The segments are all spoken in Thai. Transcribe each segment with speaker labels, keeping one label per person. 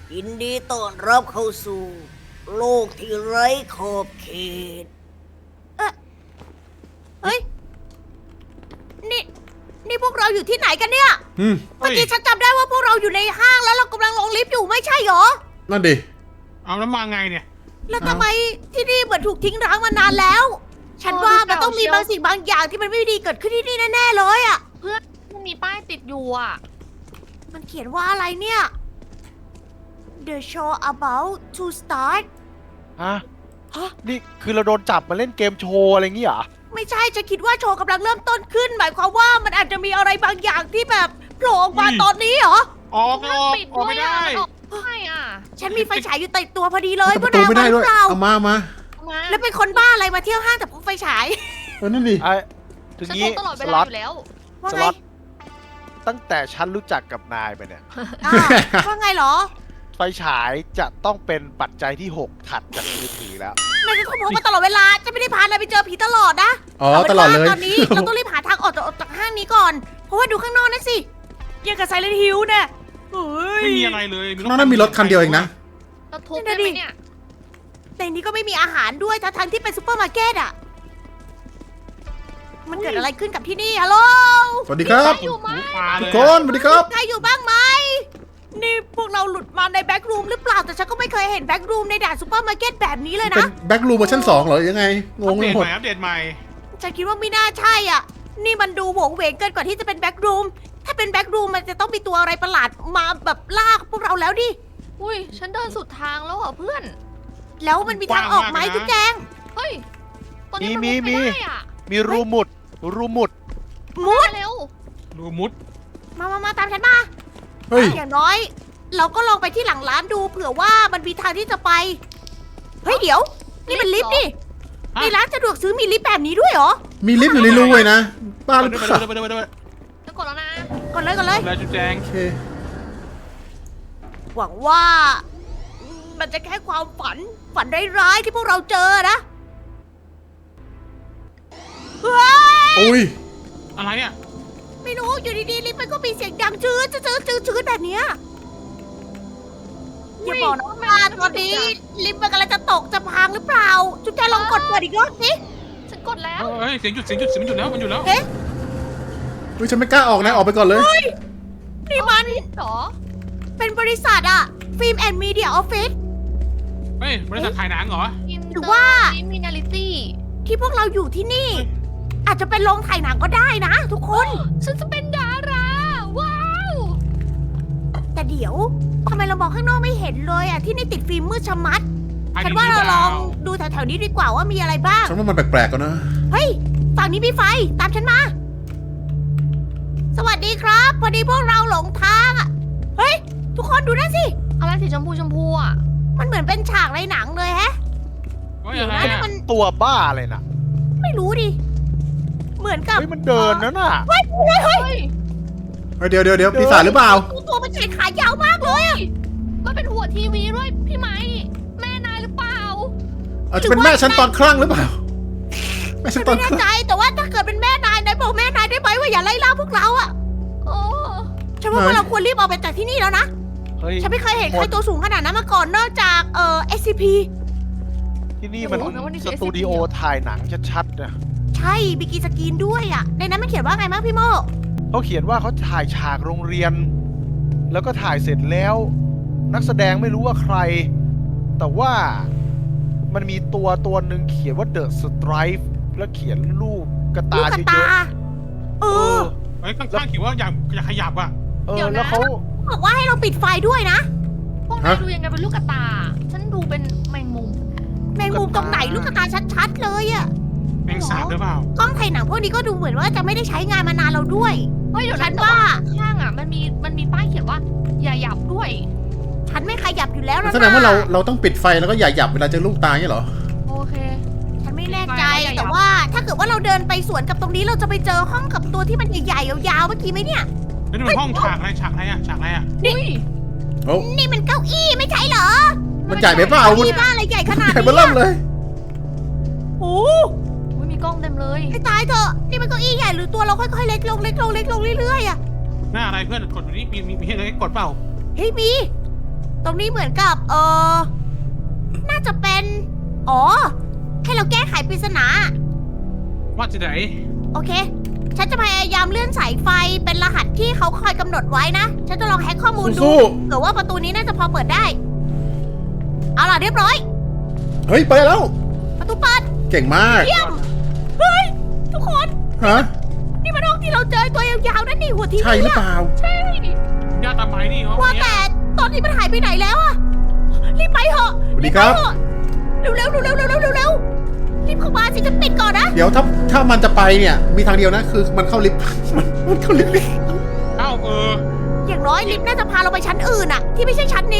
Speaker 1: ยินดีต้อนรับเข้าสู่ โลกที่ไร้ขอบเขตเฮ้ย นี่พวกเราอยู่ที่ไหนกันเนี่ย เมื่อกี้ฉันจำได้ว่าพวกเราอยู่ในห้างแล้วเรากำลังลงลิฟต์อยู่ไม่ใช่เหรอ
Speaker 2: นั่นดิ
Speaker 3: เอาแล้วมาไงเนี่ย
Speaker 1: แล้วทำไมที่นี่เหมือนถูกทิ้งร้างมานานแล้ว ฉันว่ามันต้องมีบางสิ่งบางอย่างที่มันไม่ดีเกิดขึ้นที่นี่แน่ๆเลยอ่ะ
Speaker 4: มันมีป้ายติดอยู่อ่ะ
Speaker 1: มันเขียนว่าอะไรเนี่ย The show about to start
Speaker 5: ฮะนี่คือเราโดนจับมาเล่นเกมโชว์อะไรงี้เหรอ
Speaker 1: ไม่ใช่จะคิดว่าโชว์กำลังเริ่มต้นขึ้น หมายความว่ามันอาจจะมีอะไรบางอย่างที่แบบโผล่ออกมาตอนนี้เหรอ
Speaker 3: ออก
Speaker 4: มันปิด
Speaker 3: ออก
Speaker 4: ด้ว
Speaker 3: ไม่
Speaker 4: ย
Speaker 3: ได้
Speaker 4: อ่ะมันออกไม่ได้อ่ะ
Speaker 1: ฉันมีไฟฉายอยู่ติดตัวพอดีเลย
Speaker 2: เปิดประตูไม่ได้ด้วย
Speaker 1: เปล่า
Speaker 2: เอามา
Speaker 4: เอามา
Speaker 1: แล้วเป็นคนบ้าอะไรมาเที่ยวห้างแต่พกไฟฉาย
Speaker 2: นั่นดิ
Speaker 5: ไอ้ถึง
Speaker 4: ฉันพ
Speaker 5: งี้
Speaker 4: กตลอดเว
Speaker 5: ส
Speaker 4: ลา
Speaker 5: ล็อ
Speaker 4: อ
Speaker 5: ต
Speaker 4: ยู่แล้ว
Speaker 1: ว่า
Speaker 5: ส
Speaker 1: ไง
Speaker 5: ล็อตตั้งแต่ฉันรู้จักกับนายไปเนี่ย
Speaker 1: อ้าวว่าไงเหรอ
Speaker 5: ไฟฉายจะต้องเป็นปัจจัยที่ 6 ถัดจากมือถือแล้ว
Speaker 1: นายจะต้องพกมาตลอดเวลาจะไม่ได้พานายไปเจอผีตลอดนะ
Speaker 2: อ๋อตลอดเลย
Speaker 1: ตอนนี้เราต้องรีบหาทางออกจากห้างนี้ก่อน เพราะว่าดูข้างนอกนั่นสิยังกับไซเลนฮิลเนี่ยเฮ้ย
Speaker 3: ไม่มีอะไรเลย
Speaker 2: น้องนั้นมีรถคันเดียวเองนะ
Speaker 4: เราทุบได้ไหมเนี่ย
Speaker 1: ในนี้ก็ไม่มีอาหารด้วยทั้งๆที่เป็นซูเปอร์มาร์เก็ตอ่ะ มันเกิดอะไรขึ้นกับที่นี่ฮัลโหล
Speaker 2: สวัสดีครับ
Speaker 4: อยู่ไหม
Speaker 3: ปลา
Speaker 2: ทุ
Speaker 3: เล
Speaker 2: ก
Speaker 3: ย
Speaker 2: คนสวัสดีครับ
Speaker 1: ใครอยู่บ้างไหม นี่พวกเราหลุดมาในแบ็กรูมหรือเปล่า แต่ฉันก็ไม่เคยเห็นแบ็กรูมในด่านซูเปอร์มาร์เก็ตแบบนี้เลย
Speaker 2: เป็น
Speaker 1: นะ
Speaker 2: แบ็กรูมเวอร์ชัน2เหรอ ยังไง ง
Speaker 3: อั
Speaker 2: ง
Speaker 3: ป
Speaker 2: ไป
Speaker 3: เดต
Speaker 2: หม
Speaker 3: ให
Speaker 2: ด
Speaker 3: ม่อัปเดตใหม่
Speaker 1: ฉันคิดว่าไม่น่าใช่อ่ะ นี่มันดูโหวงเหวงเกินกว่าที่จะเป็นแบ็กรูม ถ้าเป็นแบ็กรูมมันจะต้องมีตัวอะไรประหลาดมาแบบลากพวกเราแล้วดิ
Speaker 4: อุ้ยฉันเดินสุดทางแล้วเหรอเพื่อน
Speaker 1: แล้วมันมีทางออกไหม
Speaker 3: กว้างมากนะ
Speaker 1: ทุกแจง
Speaker 4: เฮ้ยตอนนี้
Speaker 5: มี
Speaker 4: มันมุดไม่ได้อ่ะ
Speaker 5: มีรูมุด
Speaker 1: มุด
Speaker 4: มาเร็ว
Speaker 3: ดูมุด
Speaker 1: มาตามฉันมา
Speaker 2: เฮ้ย
Speaker 1: อย่างน้อย เราก็ลองไปที่หลังร้านดูเผื่อว่ามันมีทางที่จะไป เฮ้ยเดี๋ยว นี่มันลิฟต์นี่
Speaker 3: ฮะ
Speaker 1: ในร้านสะดวกซื้อมีลิฟต์แบบนี้ด้วยเหรอ
Speaker 2: มีลิฟต์อยู่ในรูเลยนะ บ้าหรือ
Speaker 3: ไป
Speaker 2: เปล่า
Speaker 3: ไปไปไปไป
Speaker 4: จะกดแล้วนะ
Speaker 1: ก่อนเลย
Speaker 3: แล้วจุ๊แจง
Speaker 2: โอเค
Speaker 1: หวังว่า มันจะแค่ความฝันร้ายๆที่พวกเราเจอนะเฮ้ย
Speaker 2: อุ้ย
Speaker 3: อะไรอ่ะ
Speaker 1: ไม่รู้อยู่ดีๆลิฟต์มันก็มีเสียงดังชื้นแบบเนี้ยอย่าบอกนะว่าตอนนี้ลิฟต์มันกำลังจะตกจะพังหรือเปล่า จุ๊บแจลองกดเปิดอีกรอบสิ
Speaker 4: ฉันกดแล้ว
Speaker 3: เฮ้ยเสียงหยุดมันหยุดแล้วมันหยุดแล้ว
Speaker 1: เอ๊ะ
Speaker 2: อุ้ยฉันไม่กล้าออกนะ ออกไปก่อนเลย
Speaker 1: นี่มัน
Speaker 4: เหรอ
Speaker 1: เป็นบริษัทอะฟิล์มแอนด์มีเดียออฟฟิศ
Speaker 3: เฮ้ยบริษัทถ่ายหนังเหรอ
Speaker 1: หรือว่า
Speaker 4: มินาลิตี้
Speaker 1: ที่พวกเราอยู่ที่นี่ อาจจะเป็นโรงถ่ายหนังก็ได้นะทุกคน
Speaker 4: ฉันจะเป็นดารา ว้าว
Speaker 1: แต่เดี๋ยวทำไมเรามองข้างนอกไม่เห็นเลยอะที่นี่ติดฟิล์มมืดชะมัด
Speaker 3: ถ่ย
Speaker 1: ฉัน
Speaker 3: ดี
Speaker 1: ว่า
Speaker 3: ห
Speaker 1: เรา
Speaker 3: ป
Speaker 1: ลองดูแถวๆนี้ดีกว่าว่ามีอะไรบ้าง
Speaker 2: ฉันว่ามันแปลกๆกันนะ
Speaker 1: เฮ้ย ฝั่งนี้มีไฟ ตามฉันมา สวัสดีครับ พอดีพวกเราหลงทางอะเฮ้ย ทุกคนดูนั่นสิ
Speaker 4: อะไรสีชมพูอ่ะ
Speaker 1: มันเหมือนเป็นฉากในหนังเลยแฮะ
Speaker 3: เฮ้ยอะไร
Speaker 1: เดี๋ยวนะนี่
Speaker 3: อ่ะ
Speaker 1: มัน
Speaker 5: ตัวบ้าอะไรน่ะ
Speaker 1: ไม่รู้ดิ เหมือนกับ
Speaker 5: เฮ้ยมันเดินนะน่ะ
Speaker 1: เฮ้ย
Speaker 4: เฮ้ย
Speaker 2: เฮ้ยเดี๋ยวปีศาจหรือเปล่า
Speaker 1: ตัวมันใหญ่ขายาวมากเลยอะ
Speaker 4: มันเป็นหัวทีวีด้วยพี่ไหมแม่นายหรือเปล่า
Speaker 2: อาจจะเป็นแม่ฉันตอนคลั่งหรือเปล่า แม่ฉันต
Speaker 1: ไม่
Speaker 2: อนค
Speaker 1: แน่
Speaker 2: ลั่ง
Speaker 1: ใจแต่ว่าถ้าเกิดเป็นแม่นายนายบอกแม่นายได้ไหมว่าอย่าไล่ล่าพวกเราอะ
Speaker 4: โอ้
Speaker 1: ฉันว่าพวกเราควรรีบออกไปจากที่นี่แล้วนะ
Speaker 5: เฮ้ย
Speaker 1: ฉันไม่เคยเห็นใครตัวสูงขนาดนั้นมาก่อนนอกจากSCP
Speaker 5: ที่นี่มัน
Speaker 4: โอ้โหแล้ววันนี้
Speaker 5: สตูดิโอถ่ายหนังชัดๆนะ
Speaker 1: ใช่บิกิสกรีนด้วยอะในนั้นมันเขียนว่าไงบ้างพี่โม
Speaker 5: เขาเขียนว่าเขาถ่ายฉากโรงเรียน แล้วก็ถ่ายเสร็จแล้ว นักแสดงไม่รู้ว่าใคร แต่ว่ามันมีตัวหนึ่งเขียนว่า The Stripe แล้วเขียนรูปกระ
Speaker 1: ลู
Speaker 5: ตาก
Speaker 1: กระ
Speaker 5: เย
Speaker 1: ตา
Speaker 5: อะ
Speaker 1: เอ
Speaker 5: ๆ
Speaker 1: อ
Speaker 3: เฮ้ยข้างๆเขียนว่าอย่าขยับอ่ะ
Speaker 5: แล้วเขา
Speaker 1: บอกว่าให้เราปิดไฟด้วยนะ
Speaker 4: พวกนายดูยังไงเป็นลูกกระตา ฉันดูเป็นแมงมุม
Speaker 1: แมงมุมตรงไหนลูกกระตาชัดๆเลยอะ
Speaker 3: แมงสาบหรือเปล่าก
Speaker 1: ล้องถ่ายหนังพวกนี้ก็ดูเหมือนว่าจะไม่ได้ใช้งานมานานเราด้วย
Speaker 4: เฮ้ยเดี๋ยว
Speaker 1: ฉั
Speaker 4: นั้น
Speaker 1: นว่า
Speaker 4: ข้างอ่ะมันมีป้ายเขียนว่าอย่าหยับด้วย
Speaker 1: ฉันไม่ขยับอยู่แล้วนะ
Speaker 2: แสดงว่าเราต้องปิดไฟแล้วก็อย่าหยับเวลาเจอลูกตาอย่างนี้เหรอ
Speaker 4: โอเค
Speaker 1: ฉันไม่แน่ใจ
Speaker 4: ไม่ขยับ
Speaker 1: แต่ว่าถ้าเกิดว่าเราเดินไปสวนกับตรงนี้เราจะไปเจอห้องกับตัวที่มันใหญ่ๆยาวๆเมื่อกี้ไหมเนี่ย
Speaker 3: เฮ้ยนี่มันห้องฉากอะไรอ่ะฉากอะไรอ่ะ
Speaker 4: อุ้ย
Speaker 2: โอ้
Speaker 1: นี่มันเก้าอี้ไม่ใช่เหรอ
Speaker 2: มันใหญ่ไปเปล่า
Speaker 1: เก้า
Speaker 2: มัน
Speaker 1: อี้บ้านอะไรใหญ่ขนาด
Speaker 2: ใหญ่
Speaker 1: นี้
Speaker 2: เบ้อเริ่มเลย
Speaker 1: โอ้
Speaker 4: อุ้ยมีกล้องเต็มเลย
Speaker 1: ให้ตายเถอะนี่มันเก้าอี้ใหญ่หรือตัวเราค่อยๆเล็กลงเล็กลงเล็กลงเรื่อยๆอะ
Speaker 3: หน้าอะไรเพื่อนกดดูนี่มีอะไรกดเปล่า
Speaker 1: เฮ้ยมีตรงนี้เหมือนกับน่าจะเป็นอ๋อให้เราแก้ไขปริศนา
Speaker 3: ว่าจะไหน
Speaker 1: โอเค ฉันจะพยายามเลื่อนสายไฟเป็นรหัสที่เขาคอยกำหนดไว้นะ ฉันจะลองแฮ็กข้อมูลดู
Speaker 2: สู้
Speaker 1: เผื่อว่าประตูนี้น่าจะพอเปิดได้ เอาล่ะเรียบร้อย
Speaker 2: ๆเฮ้ยไปแล้ว
Speaker 1: ประตูเปิด
Speaker 2: เก่งมาก
Speaker 1: เยี่ยม เฮ้ย ทุกคน
Speaker 2: ฮะ
Speaker 1: นี่มันห้องที่เราเจอตัวยาวๆนั่นนี่หัวทีวี
Speaker 2: ใช่หรือเปล่า
Speaker 4: ใช่
Speaker 3: ญาติตามไปนี่ห้อง
Speaker 1: ว่า
Speaker 3: เนี้ย
Speaker 1: แต่ตอนนี้มันหายไปไหนแล้วอะรีบไปเถอะ
Speaker 2: สวัสดีครับ
Speaker 1: เร็วๆเร็วๆเร็วๆเร็วๆเร็วๆรีบเข้ามาสิจะปิดก่อนนะ
Speaker 2: เดี๋ยวถ้ามันจะไปเนี่ย มีทางเดียวนะ คือมันเข้าลิฟต์ มันเข้าลิฟต์
Speaker 3: เอ้า
Speaker 1: อย่างน้อยลิฟต์น่าจะพาเราไปชั้นอื่นอะที่ไม่ใช่ชั้นนี้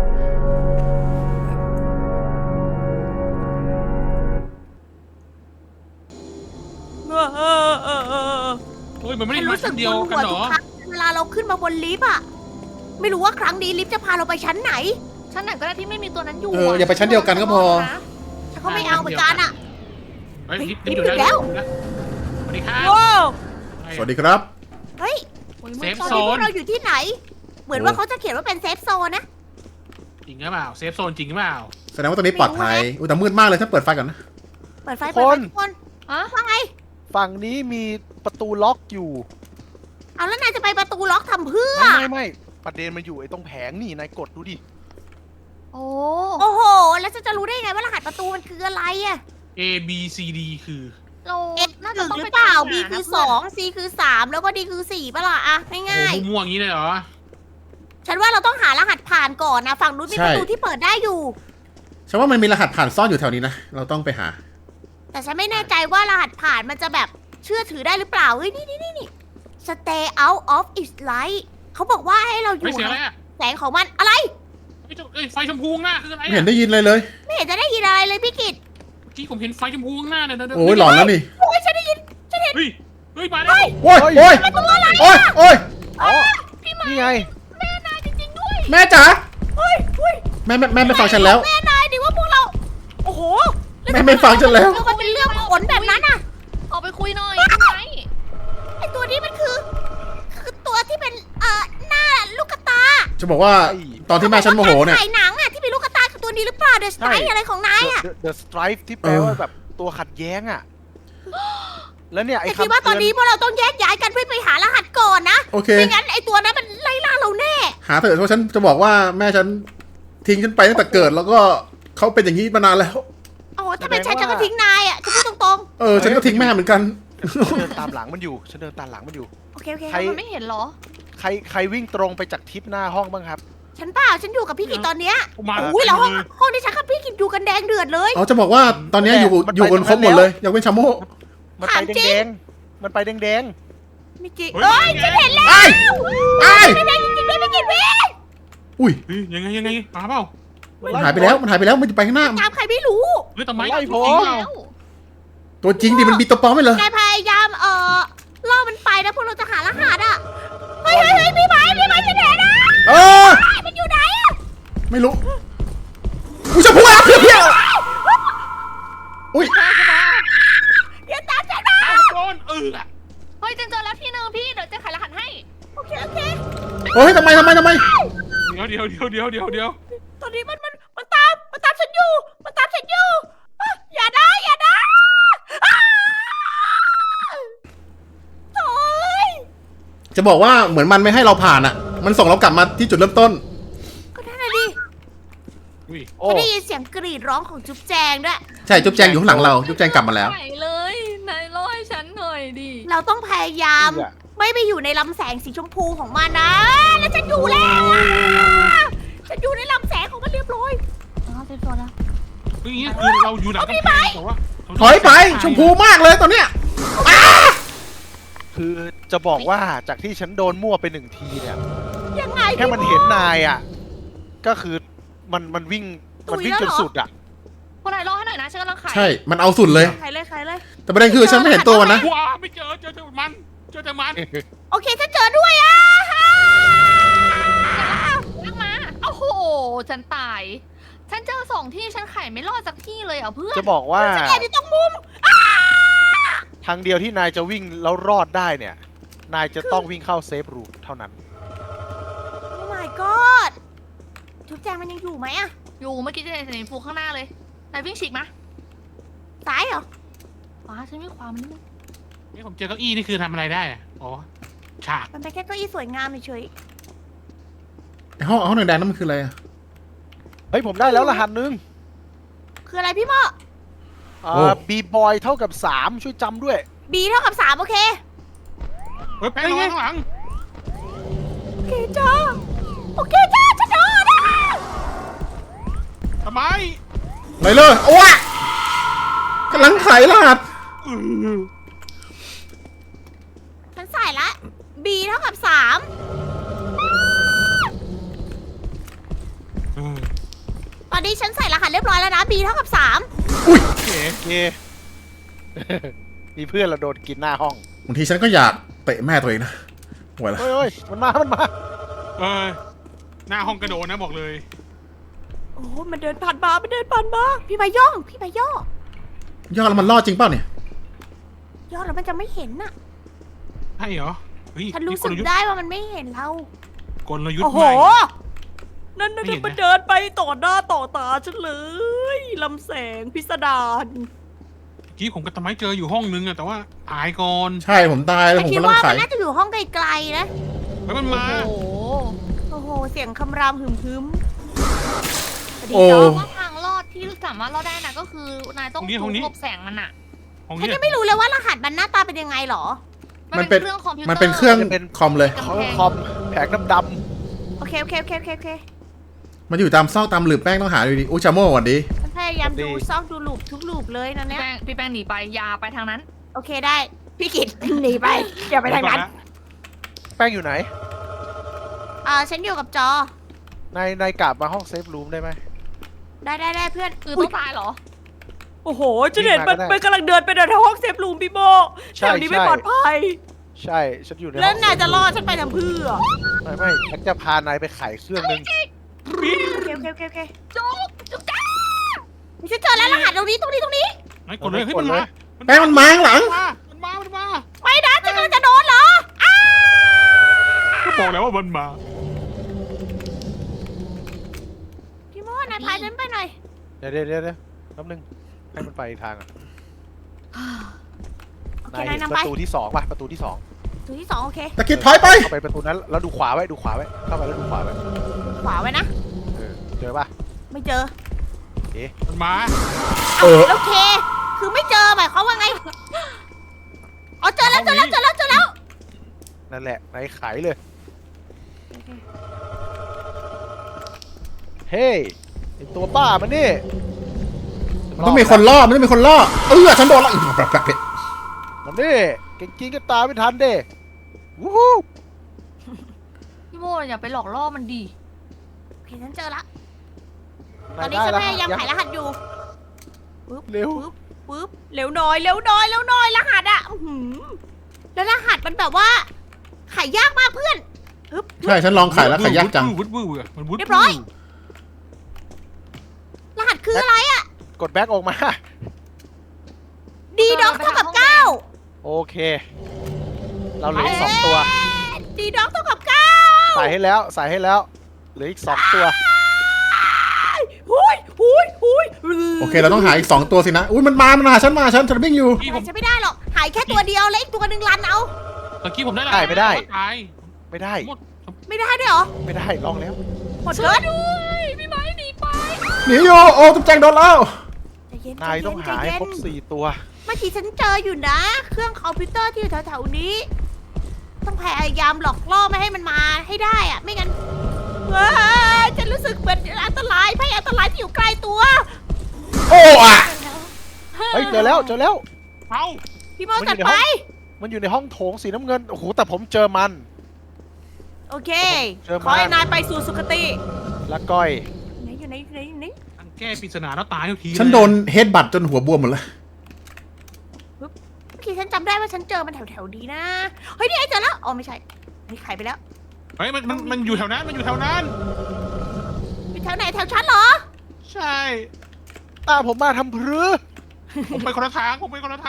Speaker 3: โอ้ยมันไม่ได้
Speaker 1: ฉัน
Speaker 3: มา
Speaker 1: รู้สึ
Speaker 3: ชั้
Speaker 1: ก
Speaker 3: นเดียว
Speaker 1: ป
Speaker 3: กัน
Speaker 1: วด
Speaker 3: เหร
Speaker 1: ทุก
Speaker 3: อ
Speaker 1: ครั้งเวลาเราขึ้นมาบนลิฟต์อะไม่รู้ว่าครั้งนี้ลิฟต์จะพาเราไปชั้นไหน
Speaker 4: ชั้นไหนก็ได้ที่ไม่มีตัวนั้นอยู่
Speaker 2: อย่าไปชั้นเดียวกันก็พอ
Speaker 1: ฉันก็ไม่เอาเหมือนกันอะ
Speaker 3: เฮ้ย
Speaker 1: เฮ้ย
Speaker 3: ลิฟต์อยู่
Speaker 1: ลิฟต์ถึงแล้ว
Speaker 3: สวัสดีครับ
Speaker 1: ว้าว
Speaker 2: สวัสดีครับ
Speaker 1: เฮ้ย
Speaker 4: โอ้ย
Speaker 3: เซ
Speaker 4: มืด
Speaker 3: ฟ
Speaker 1: ตอน
Speaker 3: โซ
Speaker 1: นี้พวน กเราอยู่ที่ไหน เหมือนว่าเขาจะเขียนว่าเป็นเซฟโซนนะ
Speaker 3: จริงหรือเปล่าเซฟโซนจริงหรือเปล่า
Speaker 2: แสดงว่าตรงนี้ปลอดภัยอุ้ยแต่มืดมากเลยถ้าเปิดไฟก่อนนะ
Speaker 1: เปิดไฟ
Speaker 5: ทุ
Speaker 1: เปิด
Speaker 5: ก
Speaker 1: ไฟ
Speaker 5: คน
Speaker 1: ทุกคน
Speaker 4: อะ
Speaker 1: ว่าไง
Speaker 5: ฝั่งนี้มีประตูล็อกอยู่
Speaker 1: เอาแล้วนายจะไปประตูล็อกทำเพื่อ
Speaker 5: ไม่ประเด็นมันอยู่ไอ้ตรงแผงนี่นายกดดูดิ
Speaker 4: โอ้
Speaker 1: โอ้โห แล้วจะรู้ได้ไงว่ารหัสประตูมันคืออะไรอะ
Speaker 3: A B C D คือ
Speaker 4: เรา
Speaker 1: X
Speaker 4: น่า
Speaker 1: ห
Speaker 4: จะ
Speaker 1: นึ่ง
Speaker 4: ต้อง
Speaker 1: หรื
Speaker 4: ไป
Speaker 1: อเปล่า
Speaker 4: ตม
Speaker 1: B
Speaker 4: ห
Speaker 1: คือ
Speaker 4: นะ
Speaker 1: 2 C คือ3แล้วก็ D คือ4ป่ะล่ะอะ
Speaker 3: โอ้
Speaker 1: ง่าย
Speaker 3: โหม่วงๆอย่างนี้เลยเหรอ
Speaker 1: ๆฉันว่าเราต้องหารหัสผ่านก่อนนะ ฝั่งนู้นมี
Speaker 2: ใช่
Speaker 1: ประตูที่เปิดได้อยู่
Speaker 2: ฉันว่ามันมีรหัสผ่านซ่อนอยู่แถวนี้นะ เราต้องไปหา
Speaker 1: แต่ฉันไม่แน่ใจว่ารหัสผ่านมันจะแบบเชื่อถือได้หรือเปล่า เฮ้ย นี่ Stay out of its light เขาบอกว่าให้เราอ
Speaker 3: เฮ้ย
Speaker 1: ยู่
Speaker 3: เสียงอะไรอ่ะ
Speaker 1: แสงของมันอะไร
Speaker 3: ไฟชมพูข้างหน้าคืออะไร
Speaker 2: ไม่เห็
Speaker 3: อ่ะ
Speaker 2: นได้ยินเลยเลย
Speaker 1: ไม่เห็นจะได้ยินอะไรเลยพี่กิต
Speaker 3: เมื่อกี้ผมเห็นไฟชมพูข้างหน้าเนี่ย
Speaker 2: โอ้ยหลอนแล้วนี่
Speaker 1: โอ้ยฉันได้ยิน ฉันเห็น
Speaker 3: เฮ้ยมาแล้ว
Speaker 2: โอ้ยโอ้ย
Speaker 1: ตัวอะไร
Speaker 2: โอ้ยโอ้ย
Speaker 5: อ๋อ นี่ไง
Speaker 1: แม่นายจริงๆด้วย
Speaker 2: แม่จ๋า
Speaker 1: เฮ้ย
Speaker 2: แม่ไม่ฟังฉันแล้ว
Speaker 1: แม่นายดิว่าพวกเรา โอ้โห
Speaker 2: แม่ไม่ฟังฉันแล้ว
Speaker 1: แล้วมันเป็นเรื่องขนแบบนั้นอะ
Speaker 4: ออกไปคุยหน่อยพี่ไม้
Speaker 1: ไอตัวนี้มันคือตัวที่เป็นหน้าลูกกระตา
Speaker 2: จะบอกว่าตอนที่แม่ฉันโมโหเนี่ย
Speaker 1: ถ่ายหนังอะที่เป็นลูกกระตาคือตัวนี้หรือเปล่าเดอะสไต
Speaker 5: ใช่
Speaker 1: อะไรของนายอะ
Speaker 5: The Strife ที่แปลว่าแบบตัวขัดแย้งอ่ะ แล้วเนี่ยไอ้
Speaker 1: แต่
Speaker 5: คำ
Speaker 1: คิดว่าตอนนี้พวกเราต้องแยกย้ายกันเพื่อไปหารหัสก่อนนะ
Speaker 2: โอเค
Speaker 1: ไม่งั้นไอตัวนั้นมันไล่ล่าเราแน่
Speaker 2: หาเถอะเพราะฉันจะบอกว่าแม่ฉันทิ้งฉันไปตั้งแต่เกิด แล้วก็เขาเป็นอย่างนี้มานานแล้ว
Speaker 1: โอ้ถ้าเป็นฉันก็ทิ้งนายอะจะพูดตรง
Speaker 2: ฉันก็ทิ้งแม่เหมือนกัน
Speaker 5: ฉันเดินตามหลังมันอยู่ ฉันเดินตามหลังมันอยู่
Speaker 1: ๆ โอเค
Speaker 5: ใคร
Speaker 4: มันไม่เห็นเหรอ
Speaker 5: ใครวิ่งตรงไปจากทิศหน้าห้องบ้างครับ
Speaker 1: ฉันเปล่าฉันอยู่กับพี่กิตตอนเนี้ย
Speaker 3: มา
Speaker 1: อุ้ยแล้วห้องที่ฉันกับพี่กิตอยู่กันแดงเดือดเลย
Speaker 2: อ๋อจะบอกว่าตอนนี้อยู่
Speaker 5: มันไป
Speaker 2: อยู่กันครบหมดเลยยกเว้นชาโม่
Speaker 5: มันไป
Speaker 1: ถามจริง
Speaker 5: แดงๆ มันไปแดง
Speaker 1: ไม่จริง
Speaker 3: เฮ้
Speaker 1: เอ้ย
Speaker 3: ย
Speaker 1: ฉันเห็นแล้ว
Speaker 2: ไอ้ไอ้
Speaker 1: ไม่ได้จริงๆด้วยพี่กิตเว้ย
Speaker 2: อุ้ย
Speaker 3: เฮ้ยยังไงมาเปล่า
Speaker 5: ๆ
Speaker 2: มันหายไปแล้วมันหายไปแล้วมันจะไปข้างหน้า
Speaker 1: ตามใครไม่รู้
Speaker 3: เฮ้ยทำไม
Speaker 5: ไล่ผม
Speaker 3: จริงเปล่า
Speaker 4: แล้ว
Speaker 2: ตัวจริงดิมันมีตัวปลอมไหมเหรอน
Speaker 1: ายพยายามล่อมันไปนะพวกเราจะหารหัสอ่ะ เฮ้ยพี่ไม้ฉันเห็นนะ
Speaker 2: เออ
Speaker 1: มันอยู่ไหนอ่ะ
Speaker 2: ไม่รู้อุ้ยชมพูอ่ะเพี้ยวอุ้ย
Speaker 1: อย่าตามฉันมา
Speaker 3: เอาโดน
Speaker 4: เฮ้ยเจอแล้วที่หนึงพี่เดี๋ยวจะขายรหัสให้
Speaker 1: โอเค
Speaker 2: เฮ้ยทำไม
Speaker 3: เดี๋ยว
Speaker 1: ตอนนี้มันตามฉันอยู่อ่ะอย่านะอ่าโถ่ย
Speaker 2: จะบอกว่าเหมือนมันไม่ให้เราผ่านอ่ะ มันส่งเรากลับมาที่จุดเริ่มต้น
Speaker 1: ก็นั่นน่ะดิ
Speaker 3: อุ้ย
Speaker 5: โอ้
Speaker 1: ฉันได้ยินเสียงกรีดร้องของจุ๊บแจงด้วย
Speaker 2: ใช่จุ๊บแจงอยู่ข้างหลังเราจุ๊บแจงกลับมาแล้ว
Speaker 4: ไหนเลยนายรอให้ฉันหน่อยดิ
Speaker 1: เราต้องพยายาม
Speaker 5: เหี้ย
Speaker 1: ไม่ไปอยู่ในลำแสงสีชมพูของมันนะ แล้วฉันอยู่แล้วอ่ะฉันอยู่ในลำแสงของมันเรียบร้อย
Speaker 4: อ๋อเซฟโซนแล้ว
Speaker 3: เฮ้ยนี่คือเราอยู่หลังกำแพงแต่ว่า
Speaker 2: ถอยไปชมพูมากเลยตอนเนี้ย
Speaker 5: คือจะบอกว่าจากที่ฉันโดนมั่วไปหนึ่งทีเนี่ย
Speaker 1: ยังไง
Speaker 5: แค่มันเห็นนายอ่ะ ก็คือมันวิ่งจนสุดอ่ะ
Speaker 4: คนไหนรอให้หน่อยนะฉันกำลังขาย
Speaker 2: ใช่ มันเอาสุดเลย
Speaker 1: ใครเลย
Speaker 2: แต่ประเด็นคือฉันไม่เห็นตัวมันนะ
Speaker 3: ว้าไม่เจอแต่มัน
Speaker 1: โอเคถ้าเจอด้วยอ่ะ
Speaker 4: ลากมาโอ้โหฉันตาย ฉันเจอ2 ที่ฉันไขไม่รอดสักที่เลยอ่ะเพื่อน
Speaker 5: จะบอกว่า
Speaker 1: ฉันแอบอยู่ตรงมุม
Speaker 5: ทางเดียวที่นายจะวิ่งแล้วรอดได้เนี่ย นายจะต้องวิ่งเข้าเซฟรูมเท่านั้น
Speaker 1: โอ้ my god จุ๊บแจงมันยังอยู่ไหมอะ
Speaker 4: อยู่เมื่อกี้จะเห็นสีฟูข้างหน้าเลยนายวิ่งฉีกมา
Speaker 1: ซ้ายเหรอ
Speaker 4: ขวาฉันวิ่งขวามันนิดนึง
Speaker 3: นี่ผมเจอเก้าอี้นี่คือทำอะไรได้อะอ๋อฉาก
Speaker 1: มันเป็นแค่เก้าอี้สวยงามเฉย
Speaker 2: ไอ้ห้องแดงๆนั่นมันคืออะไรอะ
Speaker 5: เฮ้ยผมได้แล้วรหัสหนึง
Speaker 1: ๆคืออะไรพี่โม
Speaker 5: บีบอยเท่ากับ 3 ช่วยจำด้วย
Speaker 1: B เท่ากับ3โอเค
Speaker 3: เฮ้ยแป้งระวังข้างหลัง
Speaker 1: โอเคจ้า โอเคจ้าฉันโดนนะ
Speaker 3: ทำไม
Speaker 2: ไหนเลยโอ้ยกำลังไขรหัส
Speaker 1: ฉันใส่ละ B เท่ากับ3ตอนนี้ฉันใส่รหัสเรียบร้อยแล้วนะ B เท่ากับ3
Speaker 2: อุ้ย
Speaker 3: โอเค
Speaker 5: โอเค มีเพื่อนเราโดนกินหน้าห้อง
Speaker 2: บางทีฉันก็อยากเตะแม่ตัวเองนะไหวละ
Speaker 5: เฮ้ยมันมา
Speaker 3: เออหน้าห้องกระโดดนะบอกเลย
Speaker 1: โอ้มันเดินผ่านมามันเดินผ่านมาพี่ใบย่อง พี่ใบย่อย
Speaker 2: อดแล้วมันรอดจริงเปล่าเนี่ย
Speaker 1: ย่อแล้วมันจะไม่เห็นน่ะ
Speaker 3: ใช่เหรอเฮ้ย
Speaker 1: ฉันรู้
Speaker 3: มี
Speaker 1: สึก
Speaker 3: ลยุทธ์
Speaker 1: ได้ว่ามันไม่เห็นเรา
Speaker 3: กลยุท
Speaker 1: โอ้
Speaker 3: ธ์
Speaker 1: โห
Speaker 3: ใหม่
Speaker 1: นั่น
Speaker 3: ไม่เห็นนะ
Speaker 1: มันเดินไปต่อหน้าต่อตาฉันเลยลำแสงพิสดาร
Speaker 3: เมื่อกี้ผมกับตะไม้เจออยู่ห้องนึงอะแต่ว่าหายก่อน
Speaker 2: ใช่ผมตายแล้ว
Speaker 1: แต่
Speaker 2: ผม
Speaker 1: คิด
Speaker 2: กำลัง
Speaker 1: ว่า
Speaker 2: ไข
Speaker 1: มันน่าจะอยู่ห้องไกลๆนะ
Speaker 3: เฮ้ยมันมา
Speaker 4: โอ้โห
Speaker 1: โอ้โห เสียงคำรามหึมๆสวัสดี
Speaker 2: โอ้
Speaker 1: จ้า
Speaker 4: ว่าทางรอดที่สามารถรอดได้นะก็คือนายต้องหลบแสงมันอะ
Speaker 3: ห้อง
Speaker 1: ฉัน
Speaker 3: นี้
Speaker 1: ยังไม่รู้เลยว่ารหัสมันหน้าตาเป็นยังไงหรอ
Speaker 2: มันเป็น
Speaker 4: เครื่องคอมพิวเตอร์
Speaker 2: มันเป็นเครื่องคอมเลย
Speaker 5: เขาคอมแผงดำ
Speaker 1: โอเค โอเค โอเค โอเคโอเค
Speaker 2: มันอยู่ตามซอกตามหลืบแป้งต้องหาดูดิอุยชาโม่สวัสดี
Speaker 1: ฉันพยายามดูซอกดูลูปทุกลูปเลยนะเนี่ย
Speaker 4: พี่แป้งหนีไปอยาไปทางนั้น
Speaker 1: โอเคได้ พี่กิตหนีไปอย่าไปทางนั้น
Speaker 5: ๆแป้งอยู่ไหน
Speaker 1: ฉันอยู่กับจอ
Speaker 5: นายกลับมาห้องเซฟรูมได้ไหม
Speaker 1: ได้เพื่อน
Speaker 4: คือต้องตายเหรอ
Speaker 1: โอ้โหฉันเห็นมัน
Speaker 5: วิ่งมาก็ได้
Speaker 1: มันกำลังเดินไปในห้องเซฟรูมพี่โบ
Speaker 5: ใช่
Speaker 1: แถวนี้ไม่
Speaker 5: ใช่
Speaker 1: ปลอดภัย
Speaker 5: ใช่ฉันอยู่ในห้อง
Speaker 1: แล้วนายจะรอดฉันไปทำเพื่อ
Speaker 5: ไม่ฉันจะพานายไปไขเครื่องนึง
Speaker 1: โอเคโอเคโอเค
Speaker 4: จุ๊บจุ๊บจ้า
Speaker 1: ฉันเจอแล้วรหัสตรงนี้
Speaker 3: ไอ้กดเลยเฮ้ยมันมา
Speaker 2: แป้งมันมาข้างหลัง
Speaker 3: มันมา
Speaker 1: ไม่นะฉันกำลังจะโดนเหรออ้า
Speaker 3: ก็บอกแล้วว่ามันมา
Speaker 1: พี่โมนายพาฉันไปหน่อย
Speaker 5: เดี๋ยวแป๊บนึงให้มันไปอีกทางอ่ะ
Speaker 1: โอเคน
Speaker 5: าย
Speaker 1: นาย
Speaker 5: เห็น
Speaker 1: นำ
Speaker 5: ป
Speaker 1: ไประ
Speaker 5: ตูที่2ป่ะประตูที่
Speaker 1: ตัวที่2โอเค
Speaker 2: ตะกิดถอยไป
Speaker 5: 2เข้าไปประตูนั้นแล้วดูขวาไว้เข้าไปแล้วดูขวาไว้
Speaker 1: ขวาไว้นะ
Speaker 5: เจอป่ะ
Speaker 1: ไม่เจอ
Speaker 3: มันมา
Speaker 2: เออ
Speaker 1: โอเค คือไม่เจอหมายความว่าไงอ๋อเจอแล้ว
Speaker 5: นั่นแหละนายไขเลย เฮ้ยไอตัวบ้ามันนี่
Speaker 2: มันต้องมีคนล่อมันต้องมีคนล่อฉันโดนละ
Speaker 5: มันนี่เก่งจริงก็ตามไม่ทันเด้วู้ฮู้
Speaker 4: พี่โมอย่าไปหลอกล่อมันดี
Speaker 1: โอเคฉันเจอละต
Speaker 5: นา
Speaker 1: อนนี้ฉันพยายามไขรหัสอยู่
Speaker 5: เร็ว
Speaker 1: ปึ๊บเร็วหน่อยรหัสอะอื้อหือแล้วรหัสมันแบบว่าไขยากมากเพื่อนปึ๊บ
Speaker 2: ใช่ฉันลองไขแล้วไขยากจัง
Speaker 3: วุ้ดวื้อมันวุ้ด
Speaker 1: เรียบร้อย รหัสคืออะไรอะ
Speaker 5: กดแบ็กออกมา
Speaker 1: ดีด็อกเท่ากับ
Speaker 5: โอเค เราเหลืออีก2 ตัว
Speaker 1: 9ดีด็อกเท่ากับ
Speaker 5: ใส่ให้แล้วเหลืออีก2 ตัว
Speaker 1: 9หุย
Speaker 2: โอเคเราต้องหาอีก2ตัวสินะอุ้ยมันมาฉันวิ่งอยู่
Speaker 3: กี้
Speaker 1: หา
Speaker 3: ผม
Speaker 1: ยฉันไม่ได้หรอกหายแค่ตัวเดียวแล้วอีกตัวหนึ่งรันเอา
Speaker 3: ตะกี้ผมได้
Speaker 5: ไม่ได้
Speaker 3: ตาย
Speaker 5: ไม่ได้
Speaker 3: หมด
Speaker 1: ไม่ได้ด้วยเหรอ
Speaker 5: ไม่ได้ลองแล้ว
Speaker 1: หมดเลย
Speaker 4: ด้วยพี่ไม้หนีไป
Speaker 2: หนีอยู่โอ้ตุ๊กแจงโดนแล้ว
Speaker 1: ใจเย็น
Speaker 5: นายต้องหาให้ครบ
Speaker 1: ใจเย็น
Speaker 5: 4 ตัว
Speaker 1: เมื่อกี้ฉันเจออยู่นะ เครื่องคอมพิวเตอร์ที่อยู่แถวๆนี้ ต้องพยายามหลอกล่อไม่ให้มันมาให้ได้อะไม่งั้นว้ายฉันรู้สึกเหมือนอันตรายภัยอันตรายที่อยู่ใกล้ตัว
Speaker 2: โอ้อะ
Speaker 5: เฮ้ยเจอแล้ว
Speaker 3: เอ้า
Speaker 1: พี่โมจัดไป
Speaker 5: มันอยู่ในห้องโถงสีน้ำเงิน โอ้โห แต่ผมเจอมัน
Speaker 1: โอเค
Speaker 5: เจอมา
Speaker 1: ขอให้นายไปสู่สุคติ
Speaker 5: และก้อย
Speaker 1: ไหนอยู่ไหน
Speaker 3: อันแก้ปริศนาแล้วตายทุกที
Speaker 2: ฉันโดนเฮดบัตจนหัวบวมหมดเลย
Speaker 1: เมื่อกี้ฉันจำได้ว่าฉันเจอมันแถวๆนี้นะ เฮ้ยนี่ไอ้เจอแล้ว อ๋อไม่ใช่นี่ไขไปแล้ว
Speaker 3: เฮ้ยมันอยู่แถวนั้นมันอยู่แถวนั้น
Speaker 1: อยู่แถวไหนแถวฉันเหรอ
Speaker 3: ใช่
Speaker 5: ตามผมมาทำพรือ
Speaker 3: ผมไปคนละทาง
Speaker 1: คอมพิวเตอร์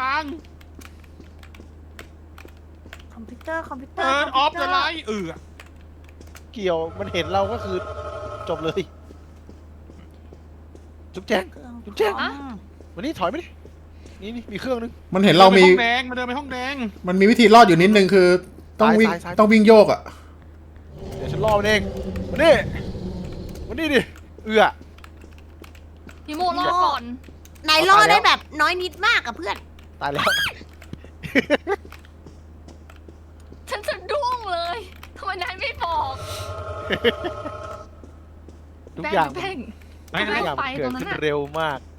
Speaker 3: เปิดออฟเลยไร
Speaker 5: เกี่ยว มันเห็นเราก็คือจบเลย จุ๊บแจง จุ๊บแจง
Speaker 1: อะ
Speaker 5: วันนี้ถอยไปดินี่มีเครื่องนึง
Speaker 2: มันเห็นเรามี
Speaker 3: ห้องแดงมาเดินไปห้องแดง
Speaker 2: มันมีวิธีรอดอยู่นิดนึงคือ ต้องวิ่ง
Speaker 5: ซ้าย
Speaker 2: ต้องวิ่งโยกอ่ะ
Speaker 5: เดี๋ยวฉันล่อมันเองวันนี้ดิเอื้อ
Speaker 4: พี่โมรอก่อน
Speaker 1: นายล่อได้แบบน้อยนิดมากอะเพื่อน
Speaker 5: ตายแล้ว
Speaker 4: ฉันจะดุ้งเลยทำไมนายไม่บอก
Speaker 5: ทุกอย่าง
Speaker 4: แป้ง
Speaker 3: ไหน
Speaker 5: ทุกอย่าง
Speaker 4: ไป
Speaker 5: เกิ
Speaker 4: ตร
Speaker 5: ด
Speaker 4: งนั้น
Speaker 5: ขึ้น
Speaker 4: น่ะ
Speaker 5: เร็วมาก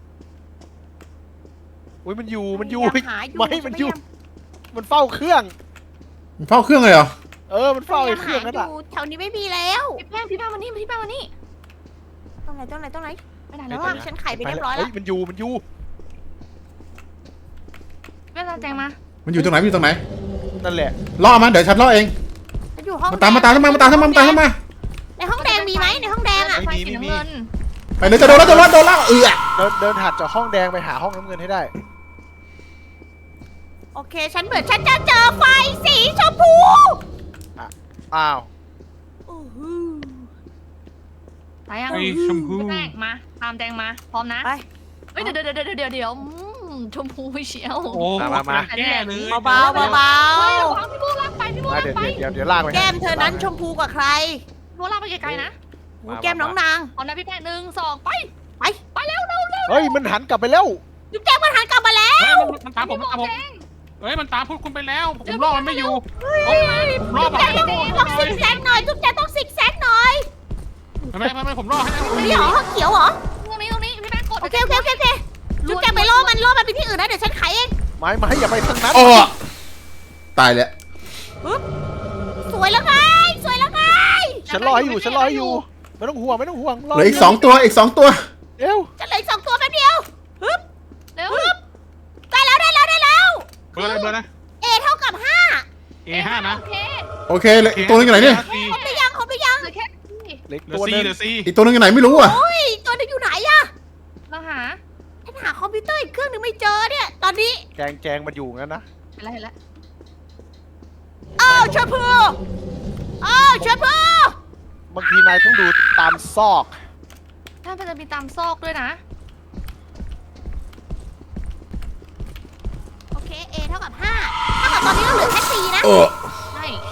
Speaker 5: อุ้ยมันอยู่
Speaker 1: พยายามหาอยู่
Speaker 5: ไม่มันอยู่ มันเฝ้าเครื่อง
Speaker 2: มันเฝ้าเครื่องเลยเหรอ
Speaker 5: มันเฝ้าไอ้เครื่องนั่น
Speaker 1: หา
Speaker 5: อะ
Speaker 1: ยู่แถวนี้ไม่มีแล้ว
Speaker 4: พี่แป้งมานี่พี่แป้งมานี่
Speaker 1: ตรงไหน
Speaker 4: ไปไหน
Speaker 1: แล้
Speaker 4: แล้ว ว
Speaker 1: อะ
Speaker 4: อะ
Speaker 1: ฉันไขไปเรียบร้อยแล้ว
Speaker 5: มันอยู่
Speaker 4: แป้งแจงมา
Speaker 2: มันอยู่ตรงไหนมันอยู่ตรงไหน
Speaker 5: นั่นแหละ
Speaker 2: ล่อมันเดี๋ยวฉันล่อเอง
Speaker 1: ฉันอยู่ห้อง
Speaker 2: มาตามเข้ามา
Speaker 1: ในห้องแดงมีไหมในห้องแดงอะ
Speaker 4: ไฟสีน้ำเงิน
Speaker 2: ไปเลยจะโดนแล้วเอือ
Speaker 5: เดินถัดจากห้องแดงไปหาห้องน้ำเงินให้ได้
Speaker 1: โอเค ฉันเหมือนฉันจะเจอไฟสีชมพู
Speaker 5: อ้าว
Speaker 1: โอ้โห
Speaker 4: ไปยัง
Speaker 3: ไอ้ชมพู
Speaker 4: พี่แป้งมาตามแจงมาพร้อมนะ
Speaker 1: ไป
Speaker 4: เฮ้ยเดี๋ยวชมพูเชียว
Speaker 3: โอ้
Speaker 5: มา
Speaker 3: แก้เลย
Speaker 1: เบาๆเบา
Speaker 4: เฮ้ยระวังพี่โมลากไปพี่โม
Speaker 5: มา
Speaker 4: ลากไป
Speaker 5: เดี๋ยวลากไป
Speaker 1: ๆแก้มเธอนั้นชมพูกว่าใคร
Speaker 4: พี่โมลากไปไกลๆนะ
Speaker 1: โอ้แก้มน้องนาง
Speaker 4: เอานะพี่แป้ง1 2ไป
Speaker 1: ไปเร็ว
Speaker 5: เฮ้ยมันหันกลับไปแล้ว
Speaker 1: จุ๊บแจ้งมันหันกลับมาแล้ว
Speaker 3: เฮ้ยมันตามผมเฮ้ยมันตามพูดคุณไปแล้วผมรอมันไม่อยู่ผมรอ
Speaker 1: จุ๊บแจ้งต้องซิกแซกหน่อยจุ๊บแจ้งต้องซิกแซกหน่อย
Speaker 3: ไม่ผมรอให้
Speaker 1: นี่เหรอห้องเขียวเหรอ
Speaker 4: ตรงนี้พี่แป้งกด
Speaker 1: โอเคจุ๊บแจ้งไปล่อมันไปที่อื่นนะเดี๋ยวฉันไขเอง
Speaker 5: ไม่อย่าไปทางนั้น
Speaker 2: โอ้ตายแล้ว
Speaker 1: สวยแล้วไง
Speaker 5: ฉันรอให้อยู่ ไม่ต้องห่วง
Speaker 2: เหลืออีก2 ตัว
Speaker 5: เร็ว
Speaker 1: จะเหลืออีก2 ตัวแป๊บเดียวฮึบ
Speaker 4: เร็ว
Speaker 1: ได้แล้ว
Speaker 3: เบอร์อะไรนะ
Speaker 1: A เท่ากับ5
Speaker 3: A5 นะ
Speaker 4: โอเค
Speaker 2: โอเคเลยอีกตัวนึงอยู่ไหนเนี่ย
Speaker 1: ครบหรือยัง
Speaker 4: เหลือแค่
Speaker 5: เล็ก
Speaker 3: เหลือ
Speaker 5: ตัว
Speaker 3: C
Speaker 5: นึง
Speaker 3: เหลือ C
Speaker 2: อีกตัวนึงอยู่ไหนไม่รู้อ่ะ
Speaker 1: โอ้ยตัวนึงอยู่ไหนอะ
Speaker 4: เราหา
Speaker 1: ฉันหาคอมพิวเตอร์อีกเครื่องนึงไม่เจอเนี่ยตอนนี้
Speaker 5: แจงมันอยู่งั้นนะ
Speaker 4: เห็นแล้ว
Speaker 1: อ้าวชมพูอ้าวชมพู
Speaker 5: บางทีนายต้องดูตามซอก
Speaker 4: ถ้ามันจะมีตามซอกด้วยนะ
Speaker 1: โอเค A เท่ากับ5ถ้ากับตอนนี้ก็เหลือแค่4นะ
Speaker 4: ใช่
Speaker 5: ใช่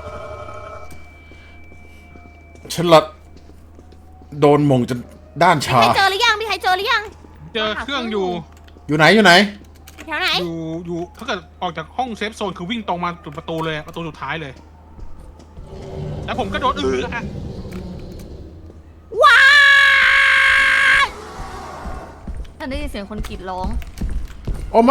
Speaker 2: ฉันละโดนมงจนด้าน
Speaker 1: มี
Speaker 2: ชา
Speaker 1: ใครเจอหรือยังมีใครเจอหรือยัง
Speaker 3: เจอเครื่องอยู่
Speaker 2: อยู่ไหน
Speaker 1: แถวไหน
Speaker 3: อยู่ถ้าเกิดออกจากห้องเซฟโซนคือวิ่งตรงมาจุดประตูเลยประตูสุดท้ายเลย แล้วผมก็โดนอะ
Speaker 1: ว้าย
Speaker 4: ฉันได้ยินเสียงคนกรีดร้อง
Speaker 2: โอ้ไม่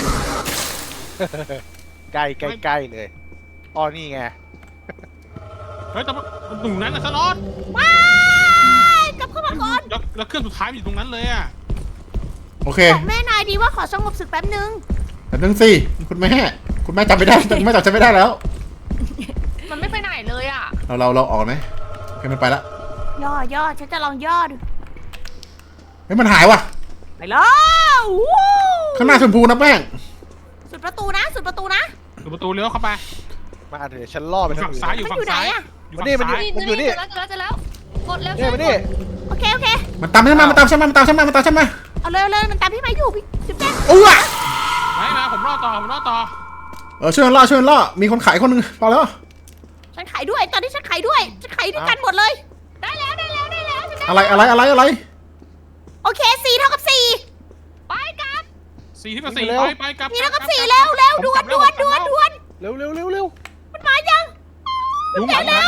Speaker 5: ใกล้เลยอ๋อนี่ไง
Speaker 3: เฮ้ยแต่หนูนั้นนะสล็อต
Speaker 1: ว้ายกลับเข้ามาก่อน
Speaker 3: แล้วเครื่องสุดท้ายมันอยู่ตรงนั้นเลยอะ
Speaker 2: โอเค
Speaker 1: บอกแม่นายดีว่าขอสงบศึกแป๊บนึง
Speaker 2: แต่นึงสิคุณแม่จำไม่ได้คุณแม่จำฉันไม่ได้แล้ว
Speaker 4: มันไม่ไปไหนเลยอ่ะ
Speaker 2: เราออกไหมโอเคมันไปละ
Speaker 1: ย่อฉันจะลองย่อดู
Speaker 2: เฮ้ยมันหายว่ะ
Speaker 1: ไปแล้ววู้
Speaker 2: ข้างหน้าชมพูนะแป้ง
Speaker 1: สุดประตูนะ
Speaker 3: อยู่ประตูเลี้ยวเข้าไป
Speaker 5: มาเดี๋ยวฉันล่อไปทาง
Speaker 3: ฝั่ง
Speaker 5: อื่น
Speaker 3: ซ้ายอยู่
Speaker 1: มัน
Speaker 3: ฝั่
Speaker 1: อง ยู่ไหน
Speaker 3: ซ้าย
Speaker 1: อะ
Speaker 3: อยู่ฝั่งซ้าย
Speaker 5: มันอยู่นี่
Speaker 4: เจอแล้วกดแล้ว
Speaker 5: เนี่ยมานี่
Speaker 1: โอเค
Speaker 2: มันตามฉันมา
Speaker 1: เอาเลยมันตามพี่ไม้อยู่พี่จุ๊บแจ๊
Speaker 2: อู้ว
Speaker 3: ไม่นะผมรอต่อ
Speaker 2: ช่วยกันล่อมีคนขายคนหนึงพอแล้ว
Speaker 1: ฉันขายด้วยตอนนี้ฉันขายด้วยกันหมดเลย
Speaker 4: ได้แล้วฉันได้
Speaker 2: อะไร
Speaker 1: โอเค4เท่ากับ4
Speaker 4: ไปกับ
Speaker 3: 4 ที่กับ 4ไปกลับ
Speaker 1: 4เท่ากับ4แล้วด่วน
Speaker 5: เร็ว
Speaker 1: มันมายัง
Speaker 3: ลุงหลังนะ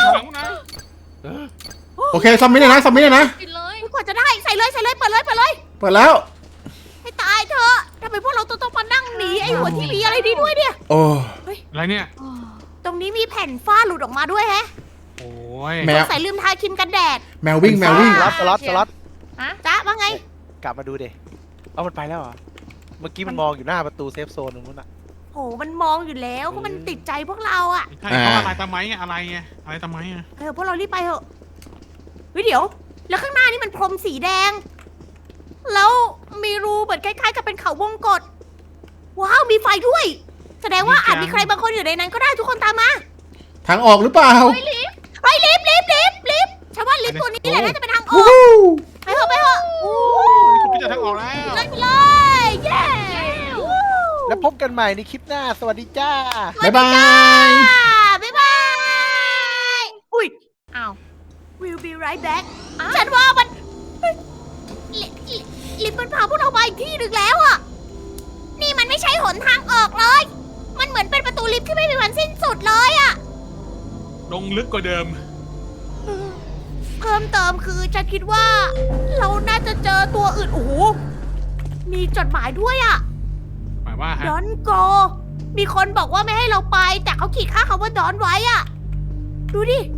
Speaker 2: โอเคซัมมิเนี่ยนะ
Speaker 4: ปิดเลย
Speaker 1: ไม่ควรจะได้ใส่เลยเปิดเลย
Speaker 2: เปิดแล้ว
Speaker 1: ให้ตายเถอะทำไมพวกเราต้องมานั่งหนีไอ้หัวที่มีอะไรดีด้วยเนี่ย
Speaker 2: โอ้
Speaker 3: อะไรเนี่ย
Speaker 1: ตรงนี้มีแผ่นฝ้าหลุดออกมาด้วยแฮะ
Speaker 3: โอ้ย
Speaker 2: แมว
Speaker 1: ใส่ลืมทาครีมกันแดด
Speaker 2: แมววิ่ง
Speaker 5: สล็อต
Speaker 4: ฮะ
Speaker 1: จ๊ะว่าไง
Speaker 5: กลับมาดูดิเอามันไปแล้วเหรอเมื่อกี้มันมองอยู่หน้าประตูเซฟโซนตรงนู้นอะ
Speaker 1: โหมันมองอยู่แล้วก็มันติดใจพวกเราอะ
Speaker 3: ใช่เขาอะไรทำไมอะไรทำไม
Speaker 1: พวกเรารีบไปเถอะเฮ้ยเดี๋ยว แล้วข้างหน้านี่มันพรมสีแดง แล้วมีรูเหมือนคล้ายๆกับเป็นเขาวงกตว้าวมีไฟด้วย แสดงว่าอาจมีใครบางคนอยู่ในนั้นก็ได้ทุกคนตามมา
Speaker 2: ทางออกหรือเปล่า
Speaker 1: ไปรีบฉันว่าว่าลิฟต์ตัวนี้แหละน่าจะเป็นทางอ
Speaker 2: วู้
Speaker 1: อก
Speaker 2: ฮู้
Speaker 1: ไปเถอะไปเถอะ
Speaker 3: นี่คุณพี่จะทางออกแล้ว
Speaker 1: เลยไปเลยเย้
Speaker 5: แล้วพบกันใหม่ในคลิปหน้า สวัสดีจ้า
Speaker 2: บ๊ายบาย
Speaker 1: บ๊ายบาย อุ้ย
Speaker 4: อ้าว
Speaker 1: we'll be right back
Speaker 4: อ้าว
Speaker 1: ฉันว่ามันลิฟต์มันพาพวกเรามาอีกที่หนึ่งแล้วอะนี่มันไม่ใช่หนทางออกเลย มันเหมือนเป็นประตูลิฟต์ที่ไม่มีวันสิ้นสุดเลยอะ
Speaker 3: ลงลึกกว่าเดิม
Speaker 1: เพิ่มเติมคือฉันคิดว่า เราน่าจะเจอตัวอื่น โอ้โห มีจดหมายด้วยอะ
Speaker 3: หมายว่าฮะ
Speaker 1: ดอนโกมีคนบอกว่าไม่ให้เราไป แต่เขาขีดค่าคำว่าดอนไว้อะดูดิ